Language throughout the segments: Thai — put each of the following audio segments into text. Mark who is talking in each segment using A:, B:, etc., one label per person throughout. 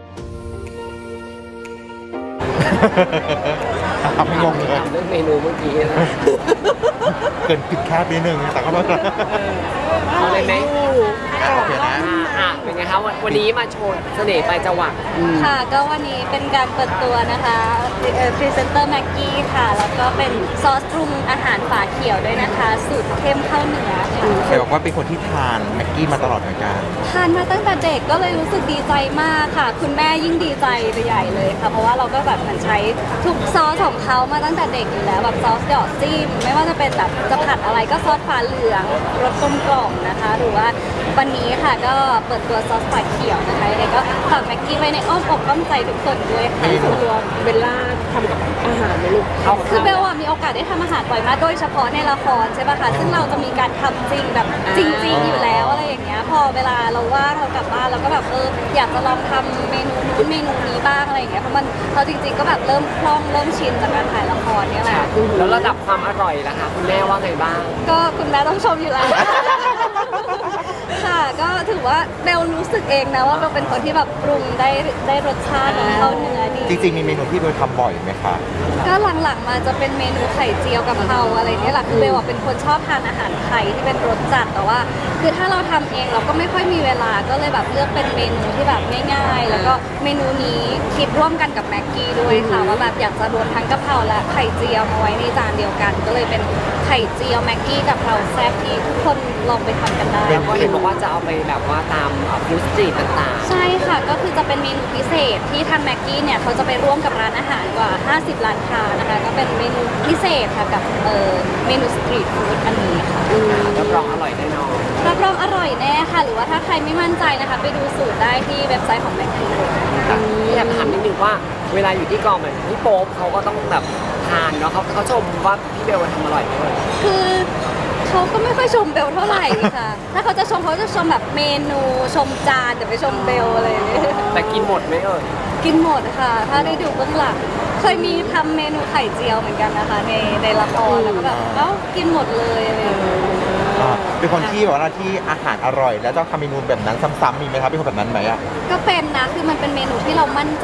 A: ทำให้งงเลย
B: เรื่องเมนูเมื่อกี้นะ
A: เกินผิดคาดนิดนึงแต่ก็ไม่เป็นไร
B: เอาเลยไหม
A: โอเคนะ
B: เป็นไงคะวันนี้มาโชว์เสน่ห์ปลายจวัก
C: ค่ะก็วันนี้เป็นการเปิดตัวนะคะพรีเซนเตอร์แม็กกี้ค่ะ แล้วก็เป็นซอสปรุงอาหารฝาเขียวด้วยนะคะ สูตรเข้มข้าวเหนือค่ะ
A: เดี๋ยวบอกว่าเป็นคนที่ทานแม็กกี้มาตลอดเหมือนกัน
C: ทานมาตั้งแต่เด็กก็เลยรู้สึกดีใจมากค่ะ คุณแม่ยิ่งดีใจไปใหญ่เลยค่ะ เพราะว่าเราก็แบบเหมือนใช้ทุกซอสของเขามาตั้งแต่เด็กอยู่แล้วแบบซอสหยอดจิ้มไม่ว่าจะเป็นแบบจะผัดอะไรก็ซอสฝาเหลืองรสกลมกล่อมนะคะ หรือว่าวันนี้ค่ะก็เปิดตัวซอสฝาเขียวนะคะยังไงก็ฝากแม็กกี้ไว้ในอ้อมอกอ้อมใจทุกคนด้วยค่ะ
B: ตัวเบลล่าทำกับอาหารไหมลูก
C: คือเบลอะมีโอกาสได้ทำอาหารบ่อยมากโดยเฉพาะในละครใช่ป่ะคะซึ่งเราจะมีการทำจริงแบบจริง ๆ อยู่แล้วอะไรอย่างเงี้ยพอเวลาเราว่างเรากลับบ้านเราก็แบบอยากจะลองทำเมนูนู้นเมนูนี้บ้างอะไรอย่างเงี้ยเพราะมันเราจริง ๆ ก็แบบเริ่มคล่องเริ่มชินจากการถ่ายละครเนี่ยแหละ
B: แล้วระดับความอร่อยล่ะคะคุณแม่ว่าไงบ้าง
C: ก็คุณแม่ต้องชมอยู่แล้ว ค่ะก็ถือว่าเบลรู้สึกเองนะว่าเบลเป็นคนที่แบบปรุงได้รสชาติของข้าวเนื้อดี
A: จริงๆมีเมนูที่เบลทำบ่อยไหมคะ
C: ก็หลังๆมาจะเป็นเมนูไข่เจียวกับเพราอะไรเนี่ยแหละคือเบลอะเป็นคนชอบทานอาหารไทยที่เป็นรสจัดแต่ว่า คือถ้าเราทำเองเราก็ไม่ค่อยมีเวลาก็เลยแบบเลือกเป็นเมนูที่แบบง่ายๆ แล้วก็เมนูนี้คิดร่วมกันกับแม็กกี้ด้วยค่ะว่าแบบอยากจะรวมทั้งกะเพราและไข่เจียวมาไว้ในจานเดียวกัน ก็เลยเป็นไข่เจียวแม็กกี้กับเพราแซ่บที่ทุกคนลองไปทำกันได้
B: แล้วก็เห็นบอกว่าจะเอาไปแบบว่าตามฟู้ดสตรีทต่าง
C: ใช่ค่ะก็คือจะเป็นเมนูพิเศษที่ทางแม็กกี้เนี่ยเขาจะไปร่วมกับร้านอาหารกว่า 50 ร้านค้านะคะก็เป็นเมนูพิเศษค่ะกับเมนูสตรีทฟู้ดอันนี้ค่ะ
B: ๆรับรองอร่อยแน่นอน
C: รับรองอร่อยแน่ค่ะ หรือว่าถ้าใครไม่มั่นใจนะคะ ไปดูสูตรได้ที่เว็บไซต์ของแม็กกี้
B: อยากถามนิดนึงว่าเวลาอยู่ที่กองเหมือนพี่โป๊ปเขาก็ต้องแบบทานเนาะเขาชมว่าพี่เบลทำอร่อยด้วย
C: คือเขาก็ไม่ค่อยชมเบลเท่าไหร่ค่ะ ถ้าเขาจะชมเขาจะชมแบบเมนูชมจานแต่ไม่ชมเบลอะไรอย่างเงี้ย
B: แต่กินหมดไหม
C: กินหมดค่ะ ถ้าได้ดูเบื้องหลังเคยมีทำเมนูไข่เจียวเหมือนกันนะคะในละครแล้วก็แบบกินหมดเลยอะไรอย่างเงี้ย
A: เป็นคนที่แบบว่าที่อาหารอร่อย แล้วต้องทำเมนูแบบนั้นซ้ำๆมีไหมครับเป็นคนแบบนั้นไหมอ่ะ
C: ก็เป็นนะคือมันเป็นเมนูที่เรามั่นใจ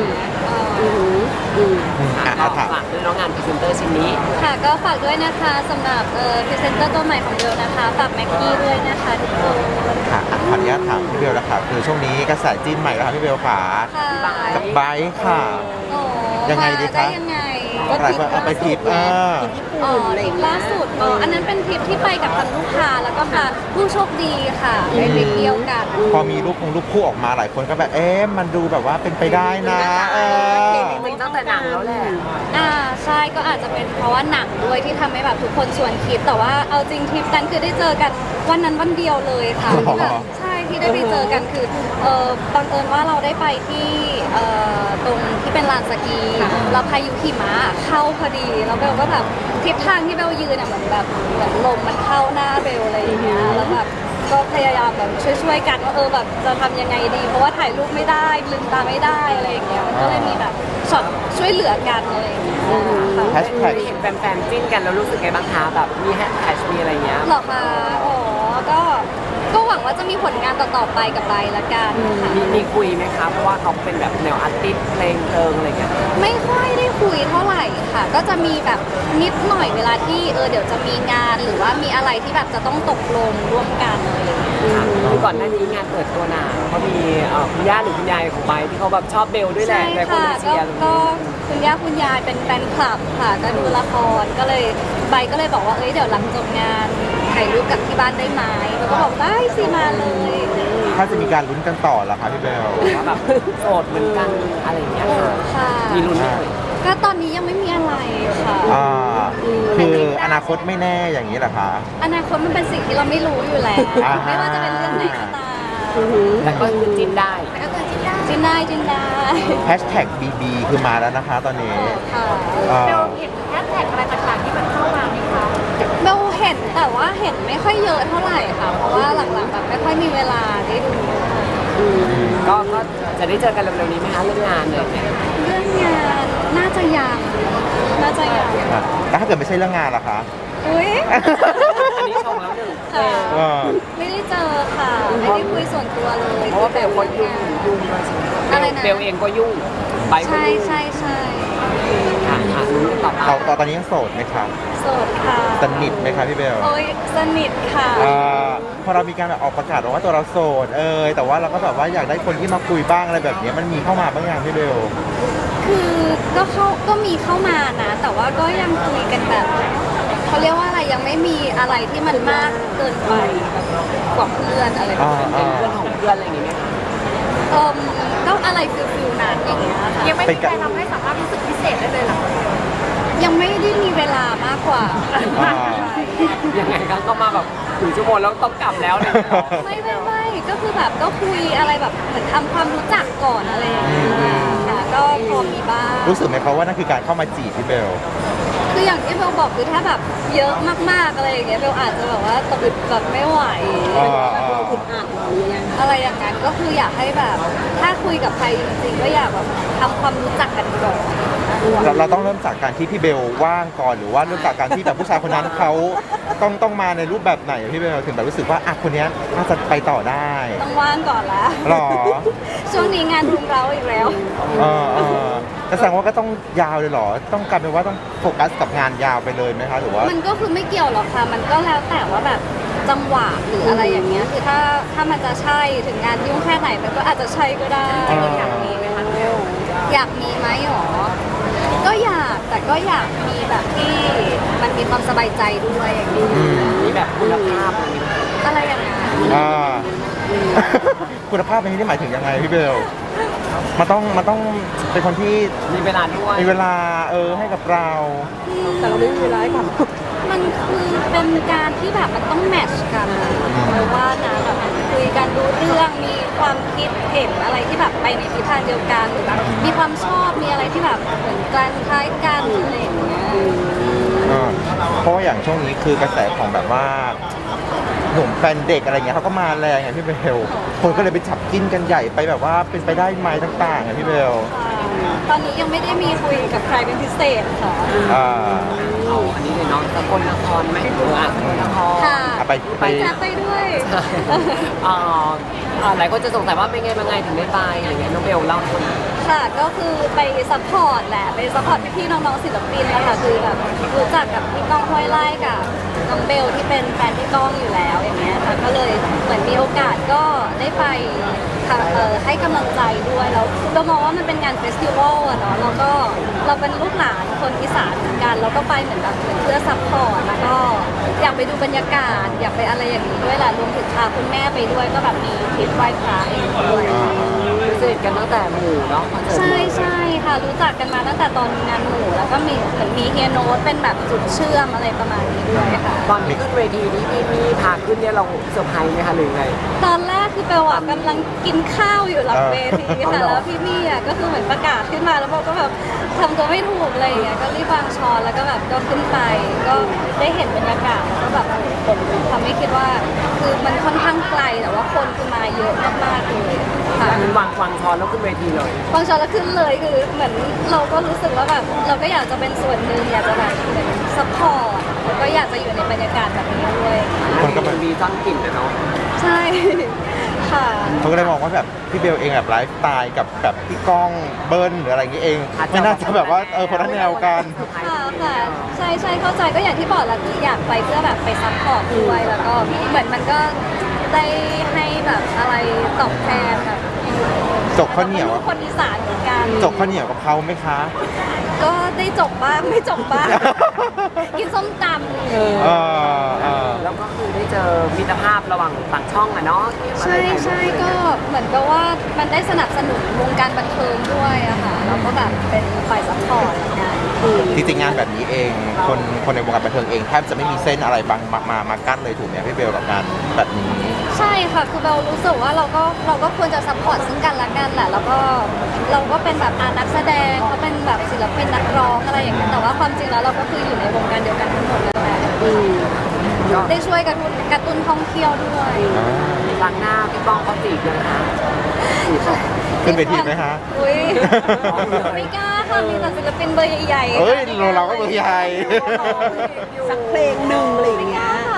B: ก็ฝากด้วยน้องงานพรีเซนเตอร์ชิ้นนี้
C: ค่ะก็ฝากด้วยนะคะสำหรับพรีเซนเตอร์ตัวใหม่ของเบลนะคะฝากแม็กกี้ด้วยนะคะทุกคน
A: ค่ะขออนุญาตถามพี่เบลนะคะคือช่วงนี้กระแสจิ้นใหม่แล้วค่ะพี่เบลขา
C: ค่ะ
A: กับไบร์ทค่ะ
C: โอ้
A: ยังไงดีคะ
C: ได้ยังไง
A: หลายคนเอาไปทิป
C: อ๋อทริปล่าสุดอันนั้นเป็นทริปที่ไปกับทางลูกค้าแล้วก็พาผู้โชคดีค่ะไปทริปเที่ยวกัน
A: พอมีรูปคู่ออกมาหลายคนก็แบบมันดูแบบว่าเป็นไปได้นะ
B: มันตั้งแต่หนังแล้วแหละ
C: ใช่ก็อาจจะเป็นเพราะว่าหนังด้วยที่ทำให้แบบทุกคนชวนคิดแต่ว่าเอาจริงทริปนั้นคือได้เจอกันวันนั้นวันเดียวเลยค่ะที่แบบใช่ที่ได้ไปเจอกันคือบังเอิญว่าเราได้ไปที่ตรงที่เป็นลานสกีแล้วพายุหิมะเข้าพอดีแล้วเบลก็แบบทิศทางที่เบลยืนเหมือนลมมันเข้าหน้าเบลอะไรอย่างเงี้ยแล้วแบบก็พยายามแบบช่วยกันว่าแบบจะทำยังไงดี เพราะว่าถ่ายรูปไม่ได้ลืมตาไม่ได้อะไรอย่างเงี้ยมันก็เลยมีแบบช็อตช่วยเหลือกันอะไรอย่างเงี้ย
A: แฮชแท็ก
B: เห็นแฟนๆจิ้นกันแล้วรู้สึกไงบ้างคะแบบมีแฮชแท็กมีอะไรเงี้ย
C: หรอคะอ๋อก็หวังว่าจะมีผลงานต่อๆไปกับไบละกันค่ะ
B: มีคุยไหมคะเพราะว่าเขาเป็นแบบแนวอาร์ติสต์เพลงอะไรเงี้ย
C: ไม่ค่อยได้คุยเท่าไหร่ค่ะ ก็จะมีแบบนิดหน่อยเวลาที่เดี๋ยวจะมีงานหรือว่ามีอะไรที่แบบจะต้องตกลงร่วมกันอะไรอย่างเงี้ย
B: คือก่อนหน้านี้งานเปิดตัวหนาเขามีคุณย่าหรือคุณยายของไบร์ทที่เขาแบบชอบเบลด้วยแหละ
C: ใช่
B: หลายคน
C: ค่ะ
B: เชียร์
C: ก็คุณย่าคุณยายเป็นแฟนคลับค่ะ ก็ดูละครก็เลยใบก็เลยบอกว่าเดี๋ยวหลังจบงานถ่ายรูปกับที่บ้านได้ไหมแล้วก็บอกได้สิมาเลย
A: ถ้าจะมีการลุ้นกันต่อเหรอคะพี่เบล
B: ว่าแบบโสดเหมือนกันอะไรอย่างเงี้ยค่ะ
C: ค่ะ
B: มีลุ้นไหมเอ่ย
C: ก็ตอนนี้ยังไม่มีอะไรค่ะ
A: คืออนาคตไม่แน่อย่างนี้เหรอคะ
C: อนาคตมันเป็นสิ่งที่เราไม่รู้อยู่แล้ว ไม่ว่าจะเป็นเรื่องไหนก็ตาม
B: แต่ก็คือจิ้นได้
C: จินได้จินได้
A: แฮชแท็ก BB คือมาแล้วนะคะตอนนี้
C: ค่ะ
A: เบล
C: เห็นแฮชแท็กอะไรต่างๆที่มันเข้ามาไหมคะเบลเห็นแต่ว่าเห็นไม่ค่อยเยอะเท่าไหร่ค่ะ เพราะว่าหลังๆแบบไม่ค่อยมีเวลาได้ดู
B: ก็จะได้เจอกันเร็วๆนี้ไหมคะเรื่องงานเนี่ย
C: เรื่องงานน่าจะยัง
A: แล้วถ้าเกิดไม่ใช่เรื่องงานล่ะคะ
C: อุ้ย
B: อันนี้ชมแล้วหนึ่ง
C: ค่ะ
A: เออ
C: ไม่ได้เจอค่ะ ไม่ได้คุยส่วนตัวเลย
B: เพราะว่าเบลคนยุ่งด้วยใช่ไหม
C: อะไรอะไรนะ
B: เบลเองก็ยุ่งไปก็
C: ใช่
B: ยุ่ง
C: ใช่ใช่
B: ค่ะลุ้นต่อไป
A: ตอนนี้ยังโสดไหมครับ
C: โสดค่ะ
A: สนิทไหมครับพี่เบล
C: โอ้ยสนิทค่ะ
A: พอเรามีการแบบออกประกาศว่าตัวเราโสดแต่ว่าเราก็แบบว่าอยากได้คนที่มาคุยบ้างอะไรแบบนี้มันมีเข้ามาบ้างยังพี่เบล
C: คือก็มีเข้ามานะ แต่ว่าก็ยังคุยกันแบบเขาเรียกว่าอะไรยังไม่มีอะไรที่มันมากเกินไปกว่าเพื่อนอะไรแบบนี้
B: เป็นเพื่อนของเพื่อนอะไรอย่างเงี้ยไหมคะ
C: ก็อะไรฟิลนั้นอย่างเงี้ยค่ะ
D: ยังไม่มีใครทำให้สามารถรู้สึกพิเศษได้เลยเหรอ
C: ยังไม่ได้มีเวลามากกว่า
B: ยังไงก็มาแบบถึงชั่วโมงแล้วต้องกลับแล้วเลย
C: ไม่ก็คือแบบก็คุยอะไรแบบเหมือนทำความรู้จักก่อนอะไรอย่างเงี้ยค่ะก็พอมีบ้าง
A: รู้สึกไหมครับว่านั่นคือการเข้ามาจีบพี่เบล
C: คืออย่างที่เบลบอกคือถ้าแบบเยอะมากๆอะไรอย่างเงี้ยเบลอาจจะแบบว่าตะบึดแบบไม่ไหว
D: อึดอัดหรือยัง
C: อะไรอย่างนั้นก็คืออยากให้แบบ ถ้าคุยกับใครจริงๆก็อยากแบบทำความรู้จักกันก่อน
A: เราต้องเริ่มจากการที่พี่เบลว่างก่อนหรือว่าเริ่มจากการที่แบบผู้ชายคนนั้นเขาต้องมาในรูปแบบไหนพี่เบลถึงแบบรู้สึกว่าคนนี้น่าจะไปต่อได้
C: ต้องว่างก่อนละ
A: หรอ
C: ช่วงนี้งานรุมเราอีกแล้ว
A: ก็แสดงว่าก็ต้องยาวเลยเหรอต้องกลายเป็นว่าต้องโฟกัสกับงานยาวไปเลยไหมคะหรือว่า
C: มันก็คือไม่เกี่ยวหรอกค่ะ มันก็แล้วแต่ว่าแบบจังหวะหรืออะไรอย่างเงี้ย คือถ้ามันจะใช่ถึงงานยุ่งแค่ไหนมันก็อาจจะใช่ก็ได้ อยากมีไหมคะเบลอยากมีไหมหรอ ก็อยากแต่ก็อยากมีแบบที่มันมีความสบายใจด้วยอย่างนี้
B: มีแบบคุณภาพอะไรอย่างเงี้ย
C: อะไรอย่างเงี้ย
A: คุณภาพในที่นี่หมายถึงยังไงพี่เบลมันต้องเป็นคนที่
B: มีเวลาด้วย
A: มีเวลาให้กับเรา
D: แต่เราไม่มีเวลาให้ท
C: มันคือเป็นการที่แบบมันต้องแมทช์กันอะเพราะว่านะแบบคุยกันรู้เรื่องมีความคิดเห็นอะไรที่แบบไปในทิศทางเดียวกันหรือแบบมีความชอบมีอะไรที่แบบเหมือนกันคล้ายกันอะไรอย่างเงี้ย
A: เพราะว่าอย่างช่วงนี้คือกระแสของแบบว่าหนุ่มแฟนเด็กอะไรเงี้ยเขาก็มาแรงไงพี่เบลคนก็เลยไปจับจิ้นกันใหญ่ไปแบบว่าเป็นไปได้ไหมต่างๆไงพี่เบล
C: ตอนนี้ยังไม่ได้มีคุยกับใครเป็นพิเศษค่ะ
B: เอาอันนี้เลยเนาะสกลนครไหมสกลนคร
C: ค่ะ
A: ไป
C: ไปด้วย
B: หลายคนจะสงสัยว่าเป็นไงมาไงถึงได้ไปอะไรเงี้ยน้องเบลเล่าให้ฟัง
C: ค่ะก็คือไปซัพพอร์ตแหละไปซัพพอร์ตพี่ๆน้องๆศิลปินนะคะคือแบบรู้จักกับพี่ก้องห้วยไร่กับน้องเบลที่เป็นแฟนพี่ก้องอยู่แล้วอย่างเงี้ยค่ะก็เลยเหมือนมีโอกาสก็ได้ไปค่ะให้กำลังใจด้วยแล้วเรามองว่ามันเป็นงานเฟสติวัลอะเนาะแล้วก็เราเป็นลูกหลานคนอีสานเหมือนกันเราก็ไปเหมือนแบบเหมือนเพื่อซัพพอร์ตแล้วก็อยากไปดูบรรยากาศอยากไปอะไรอย่างนี้ด้วยแหละรวมถึงพาคุณแม่ไปด้วยก็แบบมีทริปไหว้พระเองด้วย
B: สนิทกันตั้งแต่หมู่เนาะคอนเสิร์ต
C: ใช่ค่ะรู้จักกันมาตั้งแต่ตอนงานหมู่แล้วก็มีเหมือนมีเฮียโน้ตเป็นแบบจุดเชื่อมอะไรประมาณนี้ด้วยค่ะ
B: ตอนขึ้นเวทีนี้พี่มีพาขึ้นเนี่ยเราเซอร์ไพรส์ไหมคะหรือไง
C: ตอนแรกคือเปลอะกำลังกินข้าวอยู่หลังเวทีค่ะแล้วพี่มี่อะก็คือเหมือนประกาศขึ้นมาแล้วโบก็แบบทำตัวไม่ถูกอะไรอย่างเงี้ยก็รีบวางช้อนแล้วก็แบบก็ขึ้นไปก็ได้เห็นบรรยากาศแล้วก็แบบทำให้คิดว่าคือมันค่อนข้างไกลแต่ว่าคนคือมาเยอะมากๆเลยค่ะ
B: มันวางช้อนแล้วขึ้นเวทีเลย
C: วางช้อนแล้วขึ้นเลยคือเหมือนเราก็รู้สึกว่าแบบเราก็อยากจะเป็นส่วนหนึ่งอยากจะแบบเหมือนซัพพอร์ตแล้วก็อยากจะอยู่ในบรรยากาศแบบนี้ด้วย
A: คนก็
B: มันมีซ่อนกลิ่นนะเนาะ
C: ใช่ค่ะ
A: เขาก็เลยมองว่าแบบพี่เบลเองแบบไลฟ์สไตล์กับแบบพี่ก้องเบิ้ลหรืออะไรอย่างเงี้ยเองไม่น่าจะแบบว่าคนละแนวกัน
C: ค่ะใช่เข้าใจก็อย่างที่บอกแหละคืออยากไปเพื่อแบบไปซัพพอร์ตด้วยแล้วก็เหมือนมันก็ได้ให้แบบอะไรตอบแทนแบบ
A: จกข้าวเหนียว
C: ราก็ลูกคนอีสานเหมือนกัน
A: จกข้าวเหนียวกับเขาไหมคะ
C: ก็ได้จบบ้างไม่จบบ้าง กินส้มตำ
B: แล้วก็คือได้เจอมิตรภาพระหว่างต่างช่องอะเนาะ
C: ใช่ก็เหมือนกับว่ามันได้สนับสนุนวงการบันเทิงด้วยอะค่ะแล้วก็แบบเป็นฝ่ายซัพพอร์ตเหมือนกัน
A: จริงๆงานแบบนี้เองคนในวงการบันเทิงเองแทบจะไม่มีเส้นอะไรบางมากั้นเลยถูกไหมพี่เบลกับงานแบบนี้
C: ใช่ค่ะคือเบลรู้สึกว่าเราก็ควรจะซัพพอร์ตซึ่งกันและกันแหละแล้วก็เราก็เป็นแบบนักแสดงเขาเป็นแบบศิลปินนักร้องอะไรอย่างเงี้ยแต่ว่าความจริงแล้วเราก็คืออยู่ในวงการเดียวกันทั้งหมดนั่นแหละได้ช่วยกระตุ้นท่องเที่ยวด้วย
B: ครั้งหน้าพี่ป้องเขาจีบยังคะ
A: ขึ้นเวทีไหมคะ
C: อุ้ยไม่กล้าค่ะมีแต่ศิลปินเบอร์ใหญ่ๆ
A: เอ้ยเราก็เบอร์ใหญ่
D: สักเพลงหนึ่งอะไรอย่าง
C: ไม่ก
D: เงี้
C: ล้าย ค่ะไม่กล้า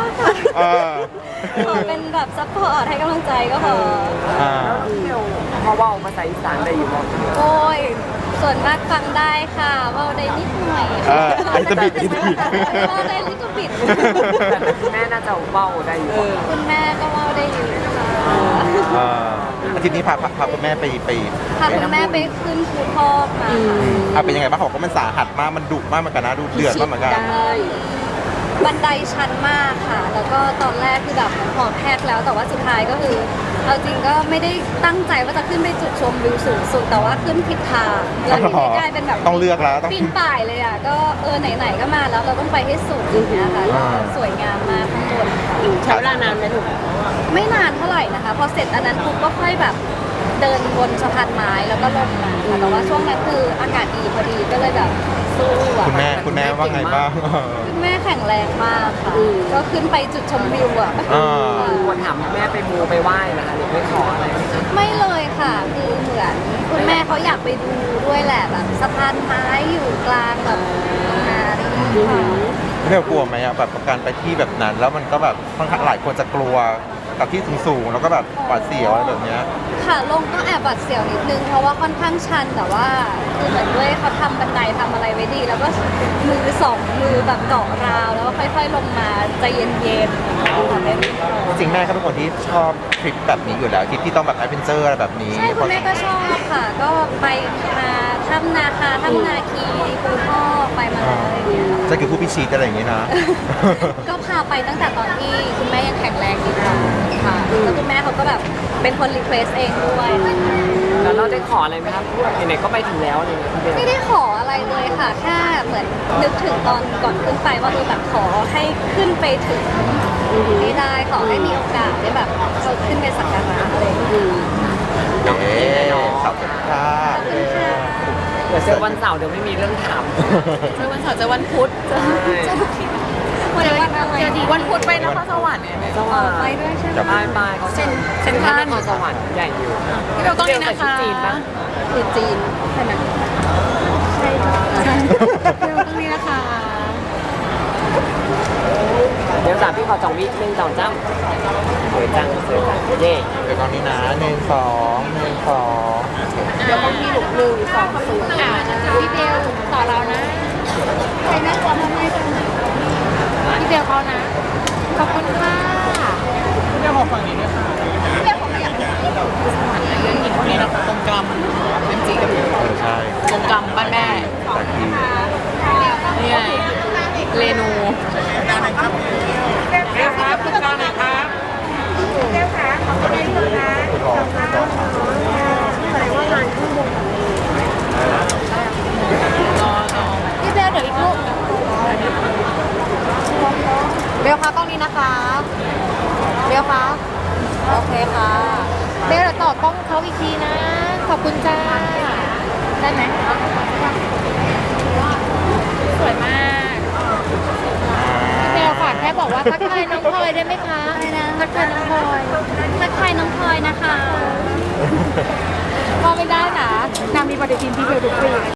A: เออ
C: ขอเป็นแบบซัพพอร์ตให้กำลังใจก็พอ
A: อ่า
B: พี่เบลเพราะว่าภาษาอีสานได้อยู่บ้าง
C: โอ้ย ส่วนมากฟังได้ค่ะเว่าได้นิดหน่อย
A: ไอ้ตะบิดไอ้ตะบิด
C: เว่าได้ลิตบิด
B: แต่คุณแม่น่าจะเบ้าได้อยู่บ้าง
C: คุณแม่ก็เว่าได้อยู่ค่ะ
A: อาทิตย์นี้พาคุณแม่ไป
C: พาคุณแม่ไปขึ้นภูทอกมา
A: เอาเป็นยังไงบ้างเขาบอกว่ามันสาหัสมากมันดุมากเหมือนกันนะดูเดือดมากเหมือนกัน
C: บันไดชันมากค่ะ แล้วก็ตอนแรกคือแบบหอบแพกแล้ว แต่ว่าสุดท้ายก็คือเอาจริงก็ไม่ได้ตั้งใจว่าจะขึ้นไปจุดชมวิวสูงสุด แต่ว่าขึ้นผิดทางแล้วทีนี้กลายเป็นแบบ
A: ต้องเลือกแล้วต้อง
C: ปีนป่ายเลยอ่ะ ก็ไหนๆก็มาแล้วเราต้องไปให้สุดอย่างเงี้ยค่ะก็สวยงามมากข้างบนค่ะ
D: ใช้เวลานานไหมลูก
C: ไม่นานเท่าไหร่นะคะ พอเสร็จอันนั้นปุ๊บก็ค่อยแบบเดินบนสะพานไม้แล้วก็ลงมาค่ะแต่ว่าช่วงนั้นคืออากาศดีพอดีก็เลยแบบสู้อะ
A: คุณแม่ว่าไงบ้าง
C: คุณแม่แข็งแรงมากค่ะ ก็ขึ้นไปจุดชมวิวอ่ะ
B: ควรถามแม่ไปมูไปไหว้นะคะหรือไม่ขออะไรไหมคะ
C: ไม่เลยค่ะ คือเหมือนคุณแม่เขาอยากไปดูด้วยแหละแบบสะพานไม้อยู่กลางแบบนาอะไรอย่างเงี้ยค่ะ
A: เรียกกลัวไหมอะแบบการไปที่แบบนั้น แล้วมันก็แบบค่อนข้างหลายคนจะกลัวกับที่สูงๆแล้วก็แบบหวาดเสียวอะไรแบบเนี้ย
C: ค่ะลงก็แอบหวาดเสียวนิดนึงเพราะว่าค่อนข้างชันแต่ว่าคือเหมือนด้วยเขาทำบันไดทำอะไรไว้ดี แล้วก็มือสองมือแบบเกาะราวแล้วก็ค่อยๆลงมาใจเย็นๆค่ะไม่รีบร้อน
A: จริงๆแม่ก็เป็นคนที่ชอบทริปแบบนี้อยู่แล้วทริปที่ต้องแบบแอดเวนเจอร์อะไรแบบนี้
C: ใช่คุณแม่ก็ชอบค่ะ ก็ไปมาถ้ำนาคาถ้ำนาคีภูทอกไปมาแล้วอะไรอย่างเงี้ย
A: จะคือผู้พิชิตอะไรอย่างงี้นะ
C: ก็พาไปตั้งแต่ตอนที่คุณแม่ยังแข็งแรงอยู่ค่ะแล้วคุณแม่เขาก็แบบเป็นคนรีเควสเองด้วย
B: แล้วเราได้ขออะไรไหมครับไหนๆก็ไปถึงแล้วเลยพี่เบล
C: ไม่ได้ขออะไรเลยค่ะ แค่เหมือนนึกถึงตอนก่อนขึ้นไปว่าแบบขอให้ขึ้นไปถึงนี้ได้ขอให้มีโอกาสได้แบบเขาขึ้นไปสักการะอะไรอย่างเงี้ย
A: เอ๊ขอบคุณค่ะ
B: เดี๋ยวเจอวันเสาร์เดี๋ยวไม่มีเรื่องถาม
D: เจอวันเสาร์เจอวันพุธ
C: วันอะไร
D: วันพุธไปนครสวรรค์เนี่ย
B: สวรรค์
C: ไปด้วยใช่ไหม
B: ไปเขาเซ็นทรัลนครสวรรค์ใหญ่อยู่
D: พี่เบลต้องนี่นะคะ
B: จีนปะ
C: คือจีนใช่ไหมใช่ค่ะ
D: พี่เบลต้องนี่นะคะ
B: เดี๋ยวพี่ขอ2 วิ1 2 3สวยจังสวยจังเย่
A: เดี๋ยวตอนนี้นะ1 2 1 2
D: เดี๋ยวต้องมีหลุม1 2 0พี่เบลต่อเรานะ
C: ใครน่ากลัวทำไมจัง
D: พี่เบลเขานะ ขอบคุณค่ะพี่เบลขอฝั่งนี้ด้วยค่ะพี่เบลขอขยับนี่นะคะตรงกลำเป็นจีกับ
A: ใช่
D: ตรงกลำบ้านแม่
A: แต่ที่
D: นี่ไงเรนูเรียกครับคุณกลางหน่อยครับ
C: พี่เบลเดี๋ยวอีกลูกเบลคะกล้องนี้นะคะเบลคะโอเคค่ะเบลเดี๋ยวต่อกล้องเขาอีกทีนะ ขอบคุณจ้าได้ไหม
D: สวยมากเบลฝากแค่บอกว่าทักทายน้องพลอยได้ไหมคะ
C: อะไรนะ
D: ทักทายน้องพลอย
C: ทักทายน้องพลอยนะคะ
D: พอไม่ได้นะนางมีปฏิทินที่เบลทุกปี